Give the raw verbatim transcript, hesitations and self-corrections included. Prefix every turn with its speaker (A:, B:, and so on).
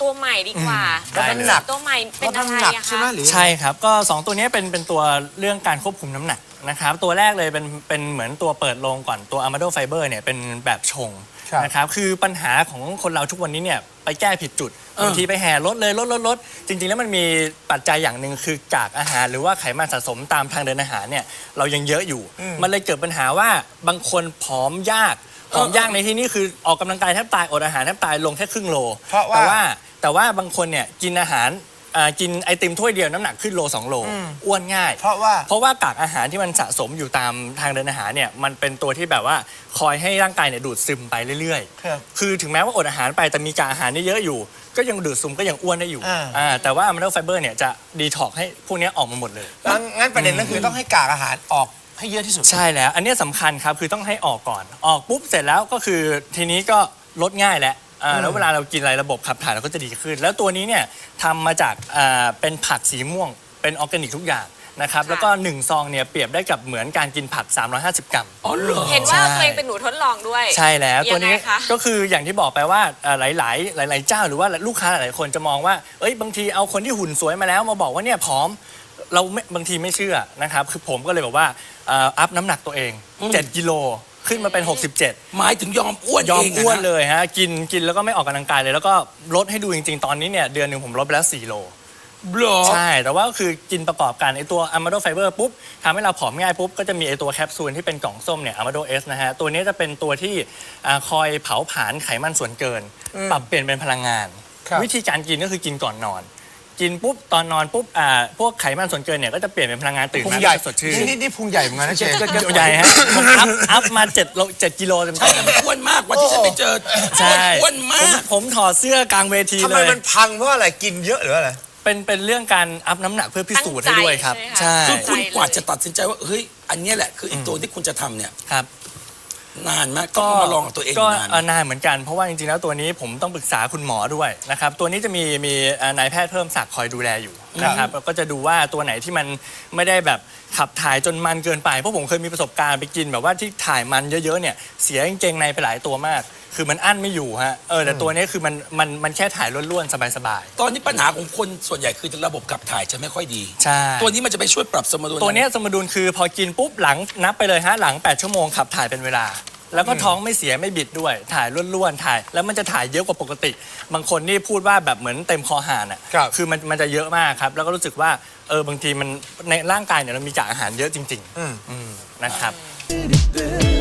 A: ตัวใหม่ดีกว่า
B: แล้วน้ำหนัก
A: ตัวใหม่เป็นอะไรอะคะ
C: ใช่ครับก็สองตัวนี้เป็นเป็นตัวเรื่องการควบคุมน้ำหนักนะครับตัวแรกเลยเป็นเป็นเหมือนตัวเปิดโลงก่อนตัว Amado Fiber เนี่ยเป็นแบบชงนะครับคือปัญหาของคนเราทุกวันนี้เนี่ยไปแก้ผิดจุดบางทีไปแห่ลดเลยลดลดลดจริงๆแล้วมันมีปัจจัยอย่างหนึ่งคือกากอาหารหรือว่าไขมันสะสมตามทางเดินอาหารเนี่ยเรายังเยอะอยู่มันเลยเกิดปัญหาว่าบางคนผอมยากผอมยากในที่นี้คือออกกำลังกายแทบตายอดอาหารแทบตายลงแค่ครึ่งโลแต่ว่าแต่ว่าบางคนเนี่ยกินอาหารกินไอติมถ้วยเดียวน้ำหนักขึ้นโลสองโลอ้วนง่าย
B: เพราะว่า
C: เพราะว่ากากอาหารที่มันสะสมอยู่ตามทางเดินอาหารเนี่ยมันเป็นตัวที่แบบว่าคอยให้ร่างกายเนี่ยดูดซึมไปเรื่อยๆคือถึงแม้ว่าอดอาหารไปแต่มีกากอาหารนี่เยอะอยู่ก็ยังดูดซึมก็ยังอ้วนได้อยู่อ่าแต่ว่า Amado Fiber เนี่ยจะดีท็อกให้พวกนี้ออกมาหมดเลย
B: งั้นประเด็นก็คือต้องให้กากอาหารออกให้เยอะที่สุด
C: ใช่แล้วอันนี้สำคัญครับคือต้องให้ออกก่อนออกปุ๊บเสร็จแล้วก็คือทีนี้ก็ลดง่ายแล้วแล้วเวลาเรากินอะไรระบบขับถ่ายเราก็จะดีขึ้นแล้วตัวนี้เนี่ยทำมาจากเป็นผักสีม่วงเป็นออร์แกนิกทุกอย่างนะครับแล้วก็หนึ่งซองเนี่ยเปรียบได้กับเหมือนการกินผักสามร้อยห้าสิบกรัม
A: อ๋อเหรอเห็นว่าตัวเองเป็นหนูทดลองด้วย
C: ใช่แล้วตัวนี้ก็คืออย่างที่บอกไปว่าหลายๆหลายๆเจ้าหรือว่าลูกค้าหลายๆคนจะมองว่าเอ้ยบางทีเอาคนที่หุ่นสวยมาแล้วมาบอกว่าเนี่ยผอมเราบางทีไม่เชื่อนะครับคือผมก็เลยบอกว่าอัพน้ำหนักตัวเองเจ็ดกิโลขึ้นมาเป็นหกสิบเจ็ด
D: หมายถึงยอมอ้วน
C: ยอมอ้วนเลยฮะกินกินแล้วก็ไม่ออกกำลังกายเลยแล้วก็ลดให้ดูจริงๆตอนนี้เนี่ยเดือนหนึ่งผมลดไปแล้วสี่โลใช่แต่ว่าก็คือกินประกอบกันไอตัว Amado Fiber ปุ๊บทำให้เราผอมง่ายปุ๊บก็จะมีไอตัวแคปซูลที่เป็นกล่องส้มเนี่ย Amado S นะฮะตัวนี้จะเป็นตัวที่คอยเผาผลาญไขมันส่วนเกินปรับเปลี่ยนเป็นพลังงานวิธีการกินก็คือกินก่อนนอนกินปุ๊บตอนนอนปุ๊บอ่าพวกไขมันส่วนเกินเนี่ยก็จะเปลี่ยนเป็นพลังงานตื่นมาสดชื่น
B: นี่นี่พุงใหญ่เหมือนกันนะเชฟ
C: ใหญ่ฮะอัพอัพมาเจ็ดโลเจ็ดกิโลเต็มๆ
D: ใช่แต่อ้วนมากวันที่ฉันไปเจอ
C: ใช่
D: อ้วนมาก
C: ผมถอดเสื้อกลางเวทีเลยทำ
B: ไมมันพังเพราะอะไรกินเยอะหรืออะไร
C: เป็นเป็นเรื่องการอัพน้ำหนักเพื่อพิสูจน์ให้ด้วยครับ
A: ใช่
D: คือคุณกว่าจะตัดสินใจว่าเฮ้ยอันนี้แหละคืออีกตัวที่คุณจะทำเนี่ย
C: ครับ
D: นานมากก็มาลองกับตัวเอง
C: ก็
D: นาน
C: นานเหมือนกันเพราะว่าจริงๆแล้วตัวนี้ผมต้องปรึกษาคุณหมอด้วยนะครับตัวนี้จะมีมีนายแพทย์เพิ่มศักดิ์คอยดูแลอยู่นะครับก็จะดูว่าตัวไหนที่มันไม่ได้แบบขับถ่ายจนมันเกินไปเพราะผมเคยมีประสบการณ์ไปกินแบบว่าที่ถ่ายมันเยอะๆเนี่ยเสียกางเกงในไปหลายตัวมากคือมันอั้นไม่อยู่ฮะเออแต่ตัวนี้คือมันมันมันแค่ถ่ายล้วนๆสบาย
D: ๆตอนนี้ปัญหาของคนส่วนใหญ่คือระบบขับถ่ายจะไม่ค่อยดี
C: ใช่
D: ตัวนี้มันจะไปช่วยปรับสมดุล
C: ตัวนี้สมดุลคือพอกินปุ๊บหลังนับไปเลยฮะหลังแปดชั่วโมงขับถ่ายเป็นเวลาแล้วก็ท้องไม่เสียไม่บิดด้วยถ่ายล้วนๆถ่ายแล้วมันจะถ่ายเยอะกว่าปกติบางคนนี่พูดว่าแบบเหมือนเต็มคอหานอ่ะคือมันมันจะเยอะมากครับแล้วก็รู้สึกว่าเออบางทีมันในร่างกายเนี่ยเรามีกากอาหารเยอะจริงๆนะครับ